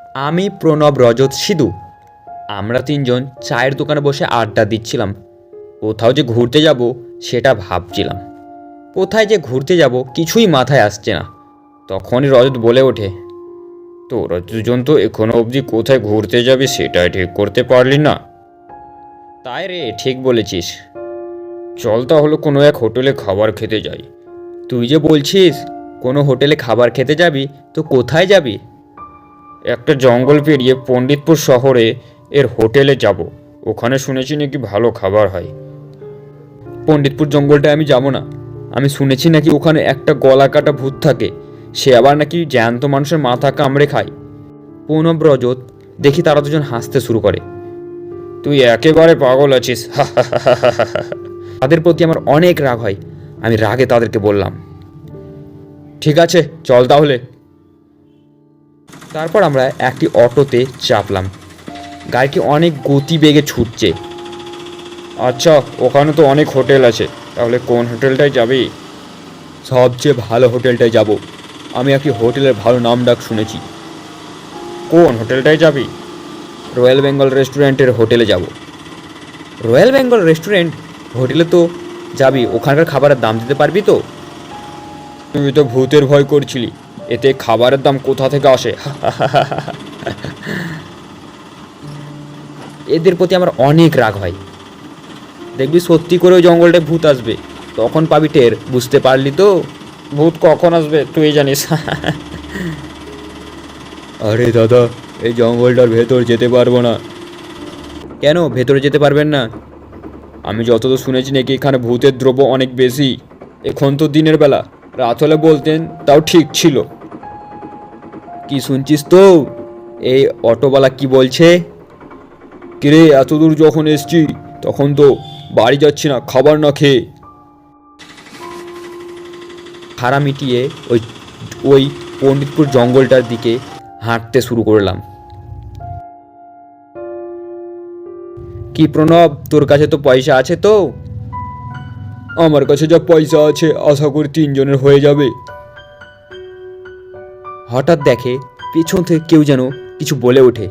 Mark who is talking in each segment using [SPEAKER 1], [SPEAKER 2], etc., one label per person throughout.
[SPEAKER 1] আমি প্রণব, রজত, সিধু আমরা তিনজন চায়ের দোকানে বসে আড্ডা দিচ্ছিলাম। কোথাও যে ঘুরতে যাব সেটা ভাবছিলাম। কোথায় যে ঘুরতে যাব কিছুই মাথায় আসছে না। তখনই রজত বলে ওঠে, তোরা দুজন তো এখনো অবধি কোথায় ঘুরতে যাবি সেটাই ঠিক করতে পারলি না। তাই রে, ঠিক বলেছিস। চল তাহলে কোনো এক হোটেলে খাবার খেতে যাই। তুই যে বলছিস কোনো হোটেলে খাবার খেতে যাবি, তো কোথায় যাবি? একটা জঙ্গল পেরিয়ে পণ্ডিতপুর শহরে এর হোটেলে যাব। ওখানে শুনেছি নাকি ভালো খাবার হয়। পণ্ডিতপুর জঙ্গলটায় আমি যাব না। আমি শুনেছি নাকি ওখানে একটা গলা কাটা ভূত থাকে, সে আবার নাকি জ্যান্ত মানুষের মাথা কামড়ে খায়। প্রণব, রজত দেখি তারা দুজন হাসতে শুরু করে। তুই একেবারে পাগল আছিস। তাদের প্রতি আমার অনেক রাগ হয়। আমি রাগে তাদেরকে বললাম, ঠিক আছে চল তাহলে। তারপর আমরা একটি অটোতে চাপলাম। গাড়িটি অনেক গতিবেগে ছুটছে। আচ্ছা, ওখানে তো অনেক হোটেল আছে, তাহলে কোন হোটেলটায় যাবি? সবচেয়ে ভালো হোটেলটায় যাব। আমি একটি হোটেলের ভালো নাম ডাক শুনেছি। কোন হোটেলটায় যাবি? রয়্যাল বেঙ্গল রেস্টুরেন্টের হোটেলে যাব। রয়্যাল বেঙ্গল রেস্টুরেন্ট হোটেলে তো যাবি, ওখানকার খাবারের দাম দিতে পারবি তো? তুই তো ভূতের ভয় করছিলি, এতে খাবারের দাম কোথা থেকে আসে? এদের প্রতি আমার অনেক রাগ হয়। দেখবি সত্যি করে ওই জঙ্গলটায় ভূত আসবে, তখন পাবি টের। বুঝতে পারলি তো? ভূত কখন আসবে তুই জানিস। আরে দাদা, এই জঙ্গলটার ভেতর যেতে পারবো না। কেন ভেতরে যেতে পারবেন না? আমি যতদূর শুনেছি নাকি এখানে ভূতের দ্রব্য অনেক বেশি। এখন তো দিনের বেলা, রাত হলে বলতেন তাও ঠিক ছিল। কি শুনছিস তো? এই অটোওয়ালা কি বলছে? কিরে, এত দূর যখন এসছি তখন তো বাড়ি যাচ্ছি না খাবার না খেয়ে। খাড়া মিটিয়ে ওই ওই পণ্ডিতপুর জঙ্গলটার দিকে হাঁটতে শুরু করলাম। কি প্রণব, তোর কাছে তো পয়সা আছে তো? আমার কাছে যা পয়সা আছে আশা করি তিনজনের হয়ে যাবে। হঠাৎ দেখে পেছন থেকে কেউ যেন কিছু বলে ওঠে,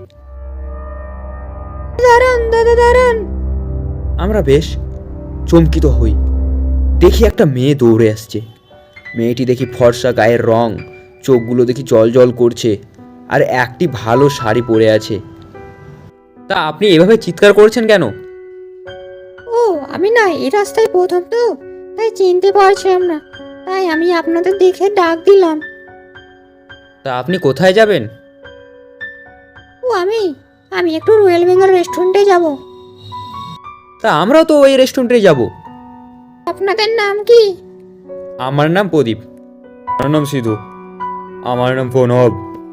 [SPEAKER 1] দাঁড়ান দাদা দাঁড়ান। আমরা বেশ চমকিত হই। দেখি একটা মেয়ে দৌড়ে আসছে। মেয়েটি দেখি ফর্সা গায়ের রং, চোখগুলো দেখি জল জল করছে, আর একটি ভালো শাড়ি পরে আছে। তা আপনি এভাবে চিৎকার করছেন কেন?
[SPEAKER 2] ও, আমি না এই রাস্তায় প্রথম তো, তাই চিনতে পারছিলাম না, তাই আমি আপনাদের দেখে ডাক দিলাম।
[SPEAKER 1] তা আপনি কোথায় যাবেন?
[SPEAKER 2] ও, আমি আমি একটু রয়্যাল বেঙ্গল রেস্টুরেন্টে যাব।
[SPEAKER 1] তা আমরাও তো ওই রেস্টুরেন্টে যাব।
[SPEAKER 2] আপনাদের নাম কি?
[SPEAKER 1] আমার নাম প্রদীপ। আমার নাম সিধু। আমার নাম প্রণব।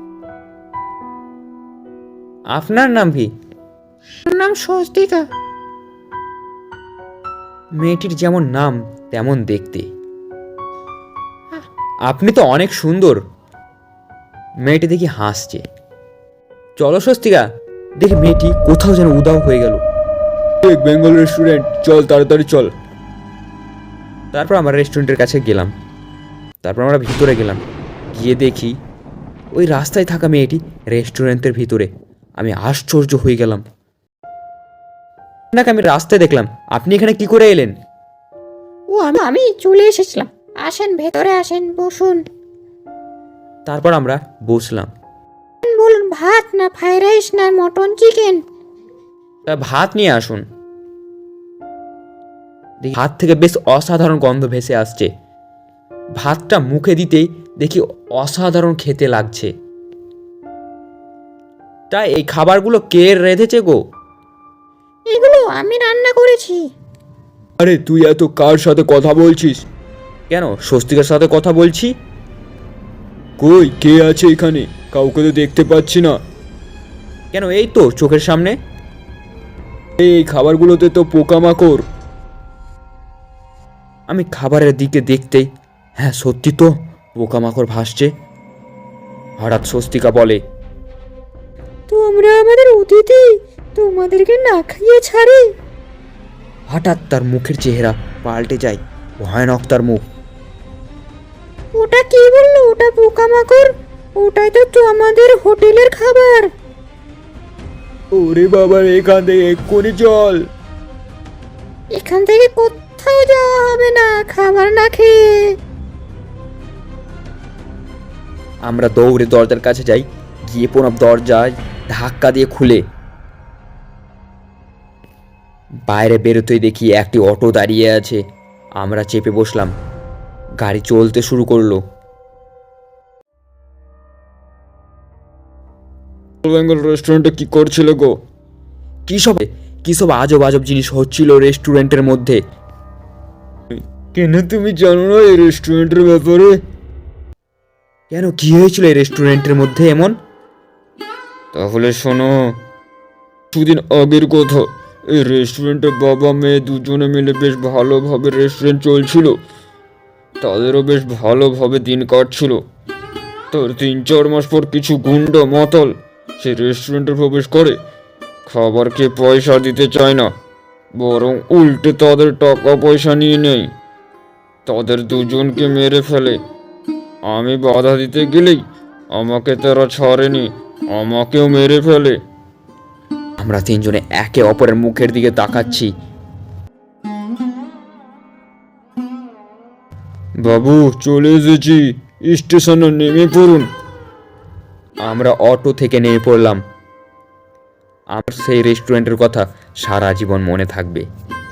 [SPEAKER 1] আপনার নাম কি?
[SPEAKER 2] আমার নাম স্বস্তিকা।
[SPEAKER 1] মেয়েটির যেমন নাম তেমন দেখতে। আপনি তো অনেক সুন্দর। মেয়েটি দেখি হাসছে। চলো স্বস্তিকা। দেখি মেয়েটি কোথাও যেন উধাও হয়ে গেল। বেঙ্গল রেস্টুরেন্ট, চল তাড়াতাড়ি চল। তারপর আমরা রেস্টুরেন্টের কাছে গেলাম। তারপর আমরা ভিতরে গেলাম। গিয়ে দেখি ওই রাস্তায় থাকা মেয়েটি রেস্টুরেন্টের ভিতরে। আমি আশ্চর্য হয়ে গেলাম। আপনাকে আমি রাস্তায় দেখলাম, আপনি এখানে কি করে এলেন?
[SPEAKER 2] ও, আমি চলে এসেছিলাম। আসেন ভেতরে আসেন, বসুন।
[SPEAKER 1] তারপর আমরা বসলাম।
[SPEAKER 2] বলুন, ভাত না ফ্রাইড রাইস না মটন চিকেন?
[SPEAKER 1] তা ভাত নিয়ে আসুন। দেখি ভাত থেকে বেশ অসাধারণ গন্ধ ভেসে আসছে। ভাতটা মুখে দিতেই দেখি অসাধারণ খেতে লাগছে। তাই এই খাবারগুলো কে রেঁধেছে গো?
[SPEAKER 2] এগুলো আমি রান্না করেছি।
[SPEAKER 1] আরে তুই এত কার সাথে কথা বলছিস? কেন, স্বস্তিকার সাথে কথা বলছি। কই, কে আছে এখানে? কাউকে তো দেখতে পাচ্ছি না। কেন, এই তো চোখের সামনে। এই খাবারগুলোতে তো পোকামাকড়। আমি খাবারের দিকে দেখতেই, হ্যাঁ সত্যি তো, পোকামাকড় ভাসছে। হঠাৎ স্বস্তিকা বলে,
[SPEAKER 2] তোমরা আমাদের অতিথি, তোমাদেরকে না খাইয়ে ছাড়ি।
[SPEAKER 1] হঠাৎ তার মুখের চেহারা পাল্টে যায়। ভয়ানক তার মুখ।
[SPEAKER 2] ওটা কি বললো? ওটা পোকামাকড়? ওটাই তো আমাদের হোটেলের খাবার।
[SPEAKER 1] ওরে বাবা, এখান থেকে এক্ষুনি চল।
[SPEAKER 2] এখান থেকে কোথাও যাওয়া হবে না খাবার না খেয়ে।
[SPEAKER 1] আমরা দৌড়ে দরজার কাছে যাই, গিয়ে প্রণব দরজায় ধাক্কা দিয়ে খুলে বাইরে বেরোতেই দেখি একটি অটো দাঁড়িয়ে আছে। আমরা চেপে বসলাম, গাড়ি চলতে শুরু করলো। বেঙ্গল রেস্টুরেন্টে কি করছিল গো? কি সব আজব আজব জিনিস হচ্ছিল রেস্টুরেন্টের মধ্যে। কেন তুমি জানো না এই রেস্টুরেন্টের ব্যাপারে? কেন, কি হয়েছিল এই রেস্টুরেন্টের মধ্যে এমন? তাহলে শোনো, দুদিন আগের কথা। এই রেস্টুরেন্টে বাবা মেয়ে দুজনে মিলে বেশ ভালোভাবে রেস্টুরেন্ট চলছিল, তাদেরও বেশ ভালোভাবে দিন কাটছিল। তার 3-4 মাস পর কিছু গুন্ডা মাতাল সে রেস্টুরেন্টে প্রবেশ করে। খাবার খেয়ে পয়সা দিতে চায় না, বরং উল্টে তাদের টাকা পয়সা নিয়ে নেয়। তাদের দুজনকে মেরে ফেলে। আমি বাধা দিতে গেলেই আমাকে তারা ছাড়েনি, আমাকেও মেরে ফেলে। আমরা তিনজনে একে অপরের মুখের দিকে তাকাচ্ছি। বাবু, চলে এসেছি, স্টেশনে নেমে পড়ুন। আমরা অটো থেকে নেমে পড়লাম। আমার সেই রেস্টুরেন্টের কথা সারা জীবন মনে থাকবে।